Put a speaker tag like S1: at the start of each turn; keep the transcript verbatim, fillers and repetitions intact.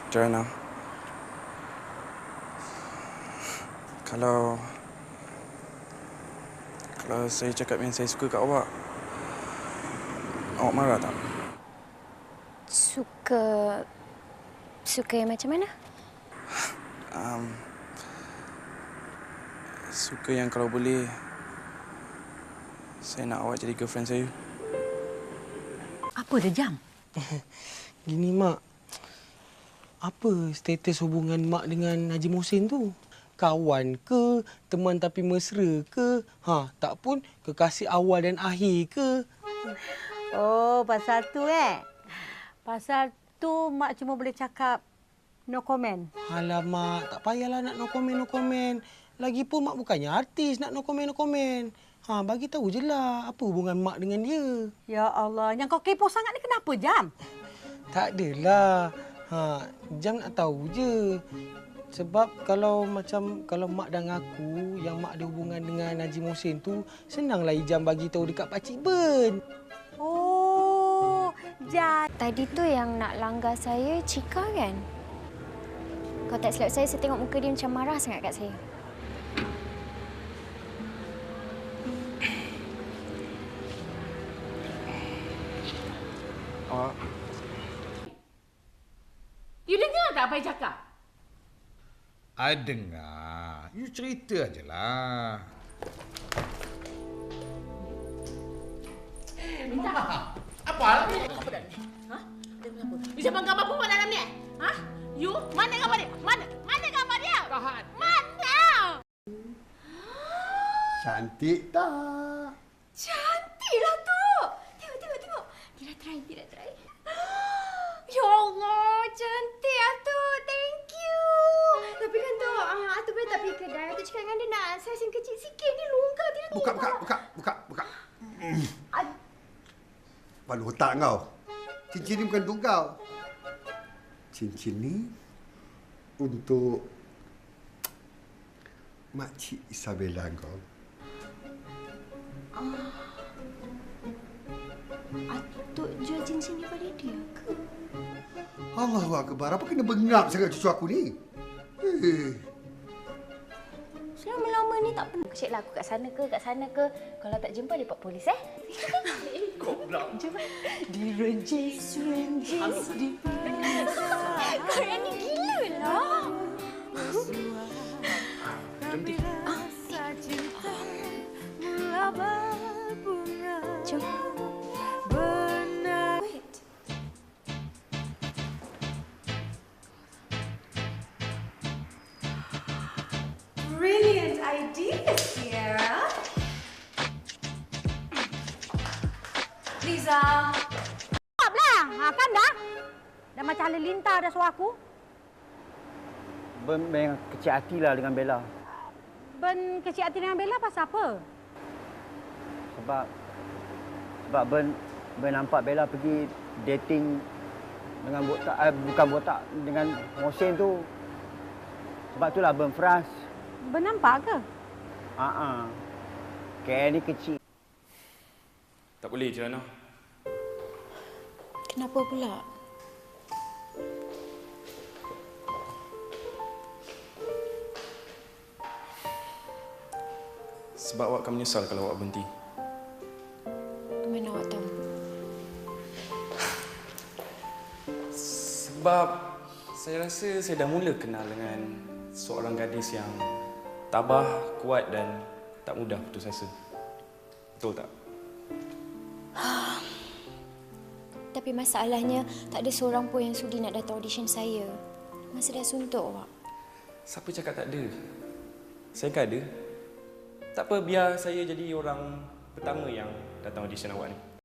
S1: Joanna, kalau kalau saya cakap yang saya suka kat awak, awak marah tak?
S2: Suka... Suka yang macam mana?
S1: Um, suka yang kalau boleh, saya nak awak jadi girlfriend saya.
S3: Apa dia, Jam?
S4: Gini, Mak. Apa status hubungan Mak dengan Haji Muhsin tu? Kawan ke? Teman tapi mesra ke? Ha, tak pun kekasih awal dan akhir ke?
S3: Oh, pasal tu eh. Pasal tu Mak cuma boleh cakap no comment.
S4: Alamak, tak payahlah nak no comment, no comment. Lagipun Mak bukannya artis nak no comment, no comment. Ha, bagi tahu je lah apa hubungan Mak dengan dia.
S3: Ya Allah, yang kau kepo sangat ni kenapa, Jam?
S4: Tak adalah. Ha, Jam nak tahu je. Sebab kalau macam kalau Mak dah ngaku yang Mak ada hubungan dengan Haji Muhsin tu, senanglah Ijam bagi tahu dekat Pakcik Ben.
S3: Oh, Jam.
S2: Tadi tu yang nak langgar saya, Cika kan? Kalau tak silap saya, saya tengok muka dia macam marah sangat kat saya.
S1: Awak...
S5: You dengar tak apa yang cakap?
S6: I dengar. You cerita ajalah.
S5: Minta. Apa hal ni? Apa dah ni? Ha? Ada apa? You simpan gambar perempuan dalam ni? Ha? You? Mana gambar dia? Mana? Mana gambar dia? Kahan. Mana?
S7: Cantik tak?
S2: Cantiklah tu! Tengok, tengok, tengok. Tidak try, tidak try. Ya Allah, cantik Atu. Thank you. Tapi kan tu, uh, Atu boleh tak pergi kedai. Atu cakap dengan dia nak saiz yang kecil sikit. Ni longgar dia ni.
S7: Buka, buka, buka, buka, buka. Hmm.
S2: Ad-
S7: Kepala otak kau. Cincin ni bukan untuk kau. Cincin ni untuk Makcik Isabella kau.
S2: Ah. Atuk jual cincin ni pada dia ke?
S7: Allahu Akbar, apa kena bengap sangat cucu aku ni? Eh.
S2: Selama-lama ni tak pernah. Cik lah aku kat sana ke, kat sana ke. Kalau tak jumpa, dia buat polis eh.
S5: Goblok.
S2: Jom. Direnjis, renjis, dipanas. Korang ni gila lah.
S1: Jom, Ti.
S2: Jom. Wait.
S8: Brilliant idea, Sierra. Liza.
S3: Stoplah. Ha, kan dah? Dah macam halilintar dah suara aku.
S9: Ben memang kecil hatilah dengan Bella.
S3: Ben kecil hati dengan Bella pasal apa?
S9: Sebab sebab Ben Ben nampak Bella pergi dating dengan botak eh, bukan botak dengan Mohsin tu. Sebab itulah Ben frust.
S3: Ben nampak ke?
S9: Ha ah. Kayak ni kecil.
S1: Tak boleh, Joanna.
S2: Kenapa pula?
S1: Sebab awak akan menyesal kalau awak berhenti.
S2: Mana awak tahu?
S1: Sebab saya rasa saya dah mula kenal dengan seorang gadis yang tabah, kuat dan tak mudah putus asa. Betul tak?
S2: Tapi masalahnya, tak ada seorang pun yang sudi nak datang audition saya. Masa dah suntuk awak.
S1: Siapa cakap tak ada? Saya kan ada. Tak apa, biar saya jadi orang pertama yang datang audition awak ni.